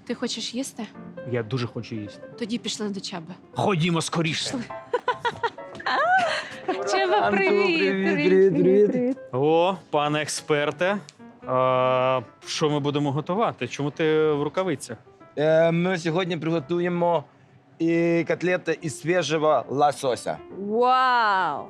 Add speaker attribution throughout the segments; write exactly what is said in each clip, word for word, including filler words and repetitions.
Speaker 1: Ти хочеш їсти?
Speaker 2: Я дуже хочу їсти.
Speaker 1: Тоді пішли до Чаби.
Speaker 2: Ходімо скоріше.
Speaker 1: Чаба,
Speaker 3: Антон,
Speaker 1: привіт,
Speaker 3: привіт, привіт, привіт.
Speaker 2: О, пане експерте. А, що ми будемо готувати? Чому ти в рукавицях?
Speaker 3: Е, Ми сьогодні приготуємо і котлети із свіжого лосося.
Speaker 1: Вау!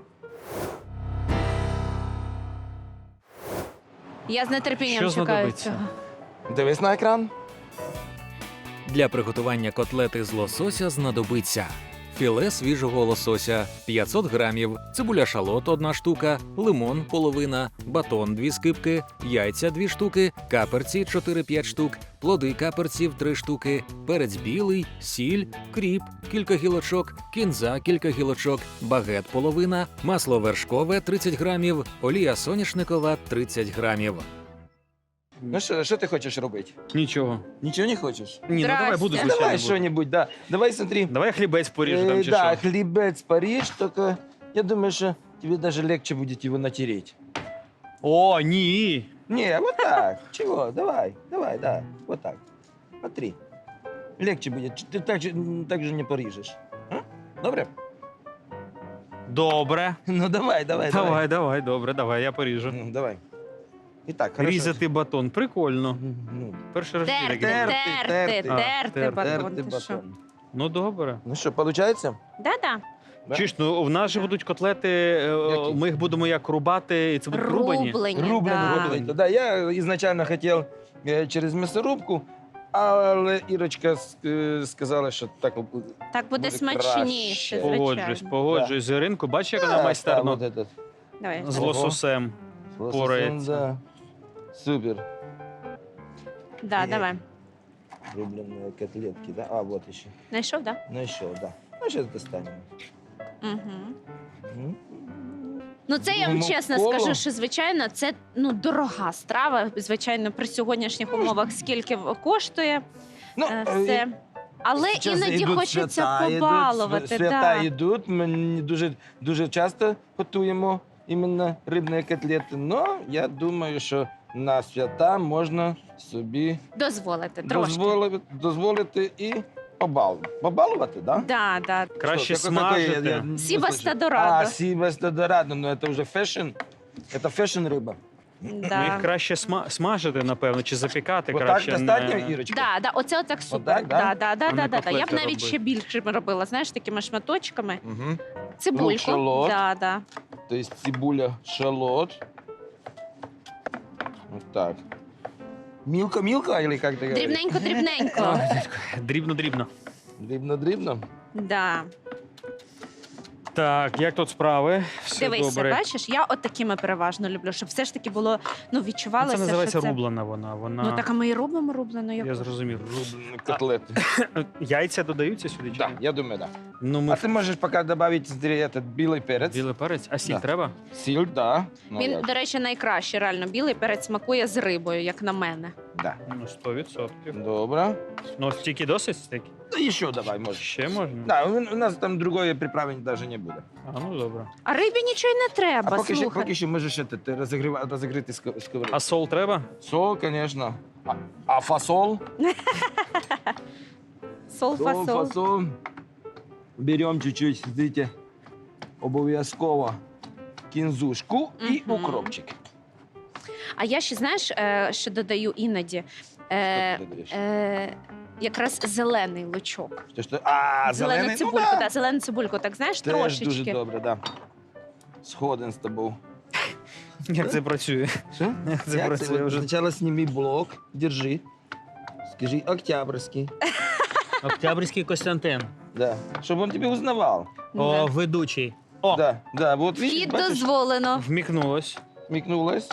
Speaker 1: Я з нетерпінням
Speaker 2: Що
Speaker 1: чекаю
Speaker 2: знадобиться?
Speaker 1: цього.
Speaker 3: Дивись на екран.
Speaker 4: Для приготування котлети з лосося знадобиться філе свіжого лосося п'ятсот грамів, цибуля шалот одна штука, лимон половина, батон дві скибки, яйця дві штуки, каперці чотири-п'ять штук, плоди каперців три штуки, перець білий, сіль, кріп, кілька гілочок, кінза кілька гілочок, багет половина, масло вершкове тридцять грамів, олія соняшникова тридцять грамів.
Speaker 3: Ну що, що ти хочеш робити?
Speaker 2: Нічого.
Speaker 3: Нічого не хочеш?
Speaker 2: Ні, ну давай
Speaker 1: Здрасте.
Speaker 2: буду,
Speaker 3: Ну,
Speaker 2: звичайно.
Speaker 3: давай
Speaker 2: буду.
Speaker 3: що-небудь, да. Давай смотри.
Speaker 2: Давай хлібець поріжу там
Speaker 3: Э,
Speaker 2: чи
Speaker 3: да,
Speaker 2: що.
Speaker 3: хлебец Париж, только я думаю, что тебе даже легче будет его натереть.
Speaker 2: О, ні.
Speaker 3: Не, вот так. Чего? Давай, давай, да. Вот так. Смотри. Легче будет. Ты так же, м, так же не порежешь. А? Добре?
Speaker 2: Добре.
Speaker 3: Ну давай, давай, давай.
Speaker 2: Давай, давай, добре, давай, я поріжу.
Speaker 3: Ну, давай. Итак, хорошо.
Speaker 2: Різати батон. Прикольно.
Speaker 3: Ну,
Speaker 2: Перший раз
Speaker 1: Терти,
Speaker 2: таке.
Speaker 3: Терти,
Speaker 1: терти,
Speaker 3: терти.
Speaker 2: А,
Speaker 1: терти
Speaker 2: терти.
Speaker 1: батон.
Speaker 3: терти
Speaker 1: Ти що?
Speaker 3: батон.
Speaker 2: Ну добре.
Speaker 3: Ну что, получается?
Speaker 1: Да-да.
Speaker 3: Да?
Speaker 2: Чуєш, ну в нас же будуть котлети, е,
Speaker 3: Які?
Speaker 2: ми їх будемо як рубати, і це будуть рубані.
Speaker 1: Рублені,
Speaker 3: Рублені,
Speaker 1: да.
Speaker 3: рублені. Да, я ізначально хотів е, через м'ясорубку, але Ірочка с- е, сказала, що так буде.
Speaker 1: Так буде
Speaker 3: Буде
Speaker 1: смачніше,
Speaker 3: краще.
Speaker 2: Погоджусь,
Speaker 1: звичайно.
Speaker 2: погоджусь. з Іринку, бачиш, як вона
Speaker 3: Так,
Speaker 2: майстерно
Speaker 3: так, от этот.
Speaker 1: Давай.
Speaker 2: з
Speaker 3: Ого.
Speaker 2: лососем.
Speaker 3: Лососем,
Speaker 2: Порається.
Speaker 3: да. Супер.
Speaker 1: Да, давай.
Speaker 3: Рубленые котлетки, да? А, вот еще.
Speaker 1: Знайшов, да?
Speaker 3: Ну еще, да. Ну, сейчас достанем.
Speaker 1: Угу.
Speaker 3: М.
Speaker 1: Ну, це я вам
Speaker 3: Ну,
Speaker 1: чесно
Speaker 3: коло.
Speaker 1: скажу, що звичайно це ну дорога страва. Звичайно, при сьогоднішніх умовах скільки в- коштує
Speaker 3: Ну,
Speaker 1: е,
Speaker 3: е,
Speaker 1: все. Але
Speaker 3: сейчас
Speaker 1: іноді
Speaker 3: йдуть
Speaker 1: хочеться
Speaker 3: свята, йдуть,
Speaker 1: побалувати.
Speaker 3: свята
Speaker 1: Да.
Speaker 3: йдуть, ми не дуже, дуже часто готуємо іменно рибні котлети. Но я думаю, що на свята можна собі
Speaker 1: Дозволити трошки.
Speaker 3: дозволити, дозволити і побалувати. Побалувати, да?
Speaker 1: Да, да.
Speaker 2: Краще
Speaker 3: Что, какой- какой? Я-
Speaker 2: смажити.
Speaker 3: я не
Speaker 1: Сибас
Speaker 3: слышу.
Speaker 1: Дорадо.
Speaker 3: А, Сибас Дорадо, но это уже фэшн. Это фэшн рыба.
Speaker 2: Ну, їх
Speaker 1: Да.
Speaker 2: краще сма- смажити, напевно, чи запікати
Speaker 3: Вот так
Speaker 2: краще.
Speaker 3: достатньо,
Speaker 2: не-
Speaker 3: Ірочка?
Speaker 1: Да, да, оце отак супер.
Speaker 3: Отак, да?
Speaker 1: да? Да, да,
Speaker 2: А
Speaker 1: да,
Speaker 2: не
Speaker 1: да, да. Я б
Speaker 2: котлети
Speaker 1: навіть
Speaker 2: робити.
Speaker 1: ще більше робила, знаєш, такими шматочками.
Speaker 3: Угу.
Speaker 1: Цибульку.
Speaker 3: шалот.
Speaker 1: Да, да.
Speaker 3: То есть цибуля, шалот. Вот так. Милка-милка или как ты говоришь?
Speaker 1: Дрібненько, дрібненько.
Speaker 2: Дрібно-дрібно.
Speaker 3: Дрібно-дрібно.
Speaker 1: Да.
Speaker 2: Так, як тут справи? Все
Speaker 1: Дивися,
Speaker 2: добре.
Speaker 1: бачиш, я от такими переважно люблю, щоб все ж таки було, ну,
Speaker 2: Ну,
Speaker 1: відчувалося,
Speaker 2: це називається
Speaker 1: що це...
Speaker 2: рублена вона. вона...
Speaker 1: Ну, так, а ми і робимо рублену.
Speaker 2: Я
Speaker 1: Яку?
Speaker 2: зрозумів.
Speaker 3: Рублені котлети.
Speaker 2: Яйця додаються сюди? Чи
Speaker 3: Да,
Speaker 2: ні?
Speaker 3: я думаю, да.
Speaker 2: Ну, ми
Speaker 3: А ти можеш поки додати смотри, этот білий перець.
Speaker 2: білий перець. А сіль
Speaker 3: Да.
Speaker 2: треба?
Speaker 3: Сіль, да. Ну,
Speaker 1: Він,
Speaker 3: як?
Speaker 1: до речі, найкраще, реально. Білий перець смакує з рибою, як на мене.
Speaker 3: Да.
Speaker 2: Ну, сто відсотків.
Speaker 3: Добре.
Speaker 2: Ну, стільки досить стільки?
Speaker 3: Да ще давай, можеш.
Speaker 2: Ще можна?
Speaker 3: Да, у у нас там другої приправи навіть не буде.
Speaker 2: А, ну добре.
Speaker 1: А рибі нічого й не треба,
Speaker 3: А поки що,
Speaker 1: слухай.
Speaker 3: поки що можеш этот, розігріва- розігріти ск- сковородку.
Speaker 2: А сол треба?
Speaker 3: Сол, конечно. А, а фасол?
Speaker 1: Сол,
Speaker 3: Сол,
Speaker 1: фасол.
Speaker 3: фасол. Берем чуть-чуть, смотрите, обов'язково кінзушку і
Speaker 1: Мгм.
Speaker 3: укропчик.
Speaker 1: А я ще, знаєш, е, що додаю іноді? Е,
Speaker 3: Що ти додаєш?
Speaker 1: е, якраз зелений лучок.
Speaker 3: Що, що? А,
Speaker 1: Зелену
Speaker 3: зелений?
Speaker 1: цибульку,
Speaker 3: ну, да.
Speaker 1: да, зелену цибульку, так знаєш,
Speaker 3: Теж
Speaker 1: трошечки.
Speaker 3: дуже добре, да. Сходен з тобою.
Speaker 2: Як це працює?
Speaker 3: Що?
Speaker 2: Як це
Speaker 3: Як
Speaker 2: працює
Speaker 3: це?
Speaker 2: вже?
Speaker 3: Спочатку зніми блок, держи. Скажи Октябрьський.
Speaker 2: Октябрьський Костянтин.
Speaker 3: Да. Щоб він тебе узнавав.
Speaker 1: Да.
Speaker 2: ведучий. О,
Speaker 3: Да, да. Вот, видишь,
Speaker 1: Вхід
Speaker 3: бачиш,
Speaker 1: дозволено.
Speaker 2: вмікнулось.
Speaker 3: смікнулась.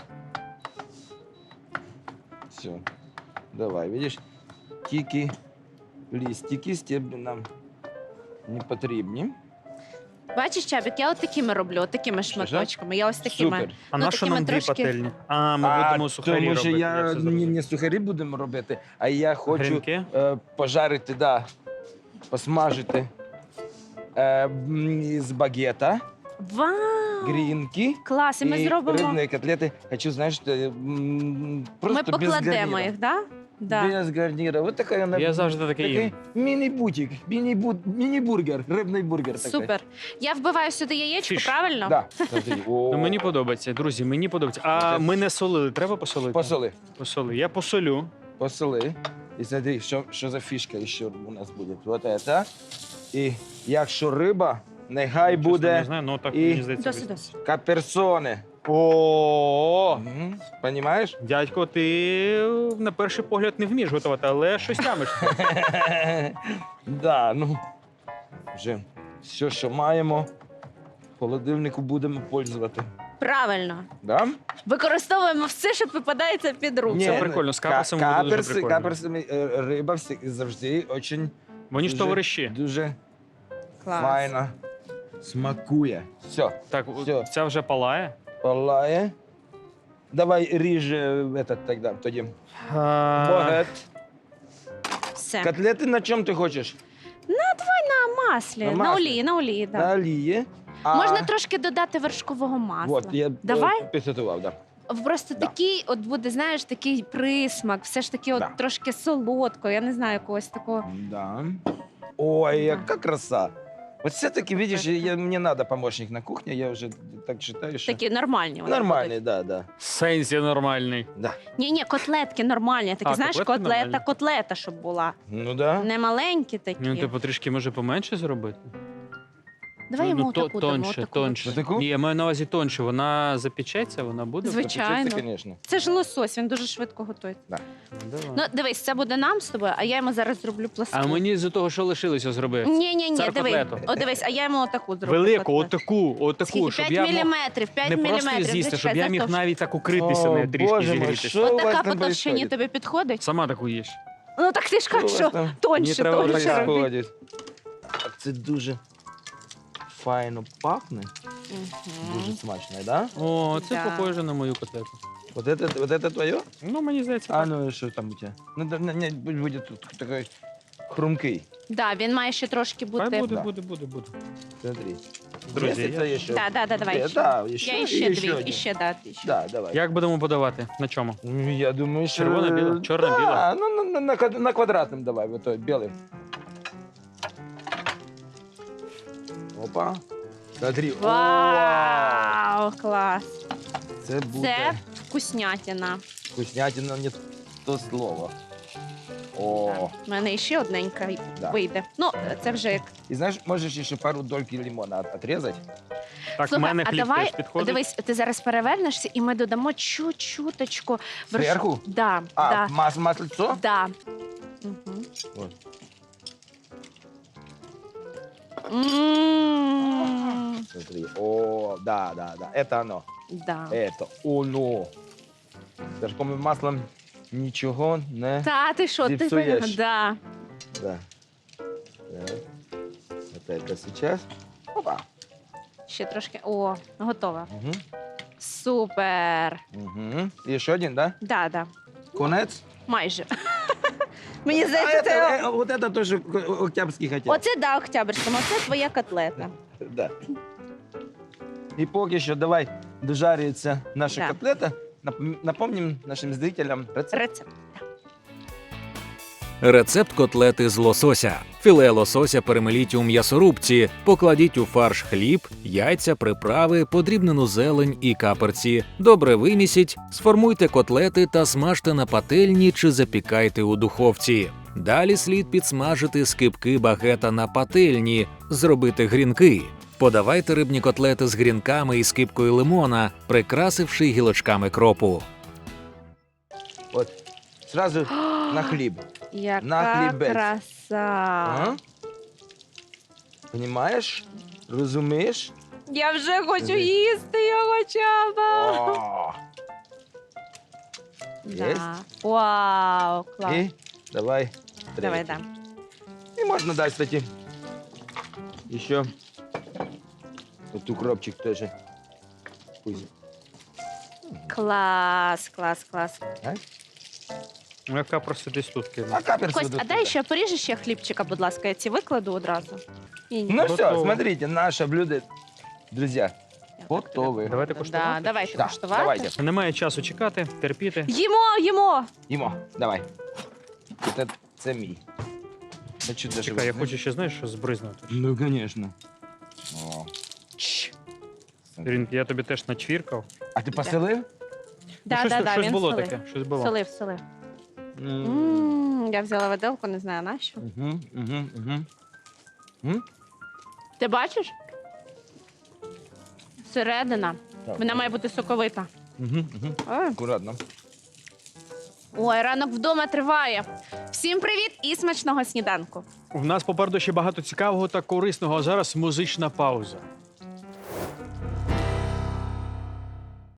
Speaker 3: Все. Давай, видиш, тільки листики, стебли нам не потрібні.
Speaker 1: Бачиш, Чабік, я от такими роблю, от такими
Speaker 3: Що,
Speaker 1: шматочками. Я ось такими.
Speaker 3: Супер.
Speaker 2: А
Speaker 1: Ну,
Speaker 2: на що
Speaker 1: такими
Speaker 2: нам дві
Speaker 1: трошки-
Speaker 2: пательні? А, ми
Speaker 3: А,
Speaker 2: будемо сухарі
Speaker 3: тому що
Speaker 2: робити.
Speaker 3: я
Speaker 2: все
Speaker 3: не,
Speaker 2: зрозумів.
Speaker 3: не сухарі будемо робити, а я хочу
Speaker 2: Грінки?
Speaker 3: е, пожарити, да, посмажити е, м, з багета,
Speaker 1: Вау!
Speaker 3: грінки.
Speaker 1: Клас, і ми зробимо.
Speaker 3: рибні котлети. Хочу, знаєш, е, м,
Speaker 1: Ми
Speaker 3: просто без
Speaker 1: покладемо
Speaker 3: гарніра.
Speaker 1: їх, да? Да.
Speaker 3: без гарнира. Вот такая она.
Speaker 2: Я завжди таке
Speaker 3: такий
Speaker 2: їм.
Speaker 3: міні-бутик, міні-бу- міні-бургер, рибний бургер такий.
Speaker 1: Супер. Я вбиваю сюди яєчко,
Speaker 2: Фіш.
Speaker 1: правильно?
Speaker 3: Да. Смотри. О,
Speaker 2: Ну, мені подобається, друзі, мені подобається. А ми не солили, треба посолити?
Speaker 3: Посоли,
Speaker 2: Посоли. Я посолю.
Speaker 3: посоли. І смотри, що, що за фішка ще у нас буде. Вот это. І якщо риба, нехай
Speaker 2: Чесно,
Speaker 3: буде
Speaker 2: не знаю, ну так
Speaker 3: і-
Speaker 2: мені здається.
Speaker 1: Досить, досить.
Speaker 3: каперсоне.
Speaker 2: О,
Speaker 3: Мгм. Понімаєш?
Speaker 2: дядько, ти на перший погляд не вмієш готувати, але щось тямиш.
Speaker 3: Да, ну, вже все, що маємо, в холодильнику будемо пользувати.
Speaker 1: Правильно.
Speaker 3: Да?
Speaker 1: Використовуємо все, що попадається під руку.
Speaker 2: Це прикольно, з каперсами буде дуже
Speaker 3: каперси,
Speaker 2: прикольно.
Speaker 3: каперсами е, риба всі- завжди очень
Speaker 2: Вони ж
Speaker 3: Дуже-
Speaker 2: товариші.
Speaker 3: дуже
Speaker 1: Клас.
Speaker 3: файно смакує. Все,
Speaker 2: Так,
Speaker 3: Всьо.
Speaker 2: ця вже палає.
Speaker 3: палає. Давай ріж е, этот, тоді. тоді.
Speaker 2: А,
Speaker 3: Багет.
Speaker 1: Все.
Speaker 3: Котлети на чому ти хочеш?
Speaker 1: На маслі,
Speaker 3: На
Speaker 1: на,
Speaker 3: маслі.
Speaker 1: олії, на олії,
Speaker 3: На
Speaker 1: да.
Speaker 3: олії. А...
Speaker 1: Можна трошки додати вершкового масла.
Speaker 3: От, я
Speaker 1: Давай?
Speaker 3: е, підготував, да.
Speaker 1: Просто
Speaker 3: Да.
Speaker 1: такий, от буде, знаєш, такий присмак, все ж таки, от
Speaker 3: Да.
Speaker 1: трошки солодко, я не знаю, якогось такого.
Speaker 3: Да. Ой,
Speaker 1: Да.
Speaker 3: яка краса. Вот все-таки, видишь,
Speaker 1: Краса.
Speaker 3: я, мне надо помощник на кухне, я уже так считаю, что...
Speaker 1: Такі нормальні. вони
Speaker 3: Нормальный, да, да.
Speaker 2: Сенсі нормальний.
Speaker 3: Да.
Speaker 1: Ні, ні, котлетки нормальні. Такі,
Speaker 2: А,
Speaker 1: знаєш,
Speaker 2: котлетки
Speaker 1: котлета,
Speaker 2: нормальні.
Speaker 1: котлета, щоб була.
Speaker 3: Ну да.
Speaker 1: Не маленькі такі.
Speaker 2: Ну, типу, трішки може поменше зробити.
Speaker 1: Давай
Speaker 2: ну,
Speaker 1: йому
Speaker 2: ну, то-
Speaker 1: таку дамо.
Speaker 2: тоньше,
Speaker 1: таку.
Speaker 2: тоньше.
Speaker 3: Таку?
Speaker 2: Ні, я маю на увазі тоньше. Вона запечеться, вона буде.
Speaker 1: Звичайно.
Speaker 3: Запечеться, конечно.
Speaker 1: Це ж лосось, він дуже швидко готується.
Speaker 2: Давай.
Speaker 1: Ну, дивись, це буде нам з тобою, а я йому зараз зроблю пласту.
Speaker 2: А мені з того, що лишилося, зроби.
Speaker 1: Ні, ні, ні,
Speaker 2: Цар
Speaker 1: диви.
Speaker 2: котлету.
Speaker 1: О, дивись, а я йому отаку зроблю.
Speaker 2: Велику,
Speaker 1: котлету.
Speaker 2: отаку, отаку,
Speaker 1: Скільки?
Speaker 2: щоб
Speaker 1: п'ять
Speaker 2: я мог
Speaker 1: міліметрів, п'ять
Speaker 2: не
Speaker 1: міліметрів.
Speaker 2: просто з'їсти, щоб
Speaker 1: Зачекай,
Speaker 2: я міг
Speaker 1: завтовш-
Speaker 2: навіть так укритися, не трішки
Speaker 3: Боже мой,
Speaker 2: зігрітися.
Speaker 3: що у
Speaker 1: От
Speaker 3: вас
Speaker 1: така
Speaker 3: там
Speaker 1: по товщині
Speaker 3: происходит?
Speaker 1: тобі підходить?
Speaker 2: Сама таку їш.
Speaker 1: Ну так ти ж
Speaker 3: Що у
Speaker 1: кажеш,
Speaker 3: вас
Speaker 1: що
Speaker 3: там?
Speaker 2: Мені
Speaker 1: тоньше,
Speaker 2: треба
Speaker 1: тоньше
Speaker 2: отак
Speaker 1: робити.
Speaker 3: происходит? А це дуже файно пахне, дуже
Speaker 1: Мгм.
Speaker 3: смачно, да?
Speaker 2: О, це
Speaker 1: Да.
Speaker 2: похоже на мою котлету.
Speaker 3: Вот это, вот это твое?
Speaker 2: Ну, мені здається,
Speaker 3: А
Speaker 2: так.
Speaker 3: ну и что там у тебя? Ну, да, не, не, будет тут такой хрумкий.
Speaker 1: Да, він має ще трошки
Speaker 2: Хай
Speaker 1: бути.
Speaker 2: буде,
Speaker 3: Да.
Speaker 2: буде, буде, буде.
Speaker 3: Смотри.
Speaker 2: Друзі,
Speaker 3: Есть
Speaker 2: я-
Speaker 3: это еще?
Speaker 1: Да, да, да, давай.
Speaker 3: Э,
Speaker 1: ще.
Speaker 3: Да, еще,
Speaker 1: Я
Speaker 3: и
Speaker 1: іще
Speaker 3: еще
Speaker 1: дві,
Speaker 3: один.
Speaker 1: іще, да, іще.
Speaker 3: Да, давай.
Speaker 2: Як будемо подавати? На чому?
Speaker 3: Ну, я думаю, что...
Speaker 2: Червоно-бело? Черно-бело?
Speaker 3: Да, ну на, на, на, квад- на квадратном давай, вот той, белый. Опа. Смотри. О,
Speaker 1: Вау, клас.
Speaker 3: це буде
Speaker 1: Це вкуснятина.
Speaker 3: вкуснятина, не то слово. О,
Speaker 1: У мене ще одненька
Speaker 3: Да.
Speaker 1: вийде. Ну, це вже як.
Speaker 3: и знаешь, можешь еще пару дольки лимона от- отрезать.
Speaker 2: Так, в
Speaker 1: Слухай,
Speaker 2: мене
Speaker 1: а
Speaker 2: хліб
Speaker 1: давай,
Speaker 2: теж підходить.
Speaker 1: дивись, ти зараз перевернешся, і ми додамо чуть-чуточку. верш-
Speaker 3: Зверху?
Speaker 1: Да,
Speaker 3: А,
Speaker 1: да,
Speaker 3: мас, маслицо?
Speaker 1: да. Угу.
Speaker 3: Вот.
Speaker 1: М,
Speaker 3: Смотри. О, да, да, да. Это оно.
Speaker 1: Да.
Speaker 3: Это оно. С вершковым маслом ничего не...
Speaker 1: Та, ти що, ти
Speaker 3: Зіпсуєш.
Speaker 1: да.
Speaker 3: Да. Так. Вот это сейчас. Опа.
Speaker 1: Ще трошки. О, готова.
Speaker 3: Угу.
Speaker 1: Супер.
Speaker 3: Угу. Еще один, да?
Speaker 1: Да, да.
Speaker 3: Конец?
Speaker 1: Майже. Мені
Speaker 3: А
Speaker 1: здається,
Speaker 3: это,
Speaker 1: це.
Speaker 3: э, вот это тоже о- октябрьский хотел.
Speaker 1: Оце да, Октябрьському, оце твоя котлета.
Speaker 3: Да. И поки що давай дожарюється наша
Speaker 1: Да.
Speaker 3: котлета. Нап- Напомним нашим зрителям рецепт.
Speaker 1: Рецепт.
Speaker 4: Рецепт котлети з лосося. Філе лосося перемеліть у м'ясорубці, покладіть у фарш хліб, яйця, приправи, подрібнену зелень і каперці. Добре вимісіть, сформуйте котлети та смажте на пательні чи запікайте у духовці. Далі слід підсмажити скибки багета на пательні, зробити грінки. Подавайте рибні котлети з грінками і скибкою лимона, прикрасивши гілочками кропу.
Speaker 3: От. Сразу на хліб.
Speaker 1: Яка
Speaker 3: На хлібець.
Speaker 1: краса.
Speaker 3: Ага. Понімаєш? Розумієш?
Speaker 1: Я вже хочу
Speaker 3: Диви.
Speaker 1: їсти його, Чаба.
Speaker 3: О! Єсть?
Speaker 1: Да. Вау, клас.
Speaker 3: І давай.
Speaker 1: Давай,
Speaker 3: третій.
Speaker 1: да.
Speaker 3: І можна дати, кстати, ще от укропчик теж. Пусть.
Speaker 1: Клас, клас, клас.
Speaker 2: Ну, яка просто десь тут кинула.
Speaker 3: А каперс
Speaker 1: Кость,
Speaker 3: вот
Speaker 1: а дай ще поріжеш ще хлібчика, будь ласка, я ці викладу одразу. Ні, ні.
Speaker 3: Ну все,
Speaker 2: Готово.
Speaker 3: смотрите, наше блюдо, друзья, готове.
Speaker 2: Давайте
Speaker 1: Да,
Speaker 2: коштувати.
Speaker 1: давайте
Speaker 3: Да,
Speaker 1: куштувати.
Speaker 3: давайте.
Speaker 2: Немає часу чекати, терпіти.
Speaker 1: Їмо, їмо.
Speaker 3: Їмо, давай. це, це мій. Хочу даже
Speaker 2: Чекай, я
Speaker 3: возьми.
Speaker 2: хочу ще, знаєш, що збризнути.
Speaker 3: Ну, звісно. О.
Speaker 2: Ірин, я тобі теж начвіркав.
Speaker 3: А ти поселив?
Speaker 1: Да,
Speaker 2: щось
Speaker 1: да, да,
Speaker 2: щось
Speaker 1: він
Speaker 2: було
Speaker 1: солив.
Speaker 2: таке, щось було.
Speaker 1: Солив, солив.
Speaker 3: М.
Speaker 1: М, Я взяла виделку, не знаю на що.
Speaker 3: Мгм, мгм, мгм. М?
Speaker 1: Ти бачиш? Середина.
Speaker 3: Так.
Speaker 1: Вона має бути соковита.
Speaker 3: Мгм, мгм.
Speaker 1: Ой.
Speaker 3: Акуратно.
Speaker 1: Ой, ранок вдома триває. Всім привіт і смачного сніданку.
Speaker 2: У нас попереду ще багато цікавого та корисного, а зараз музична пауза.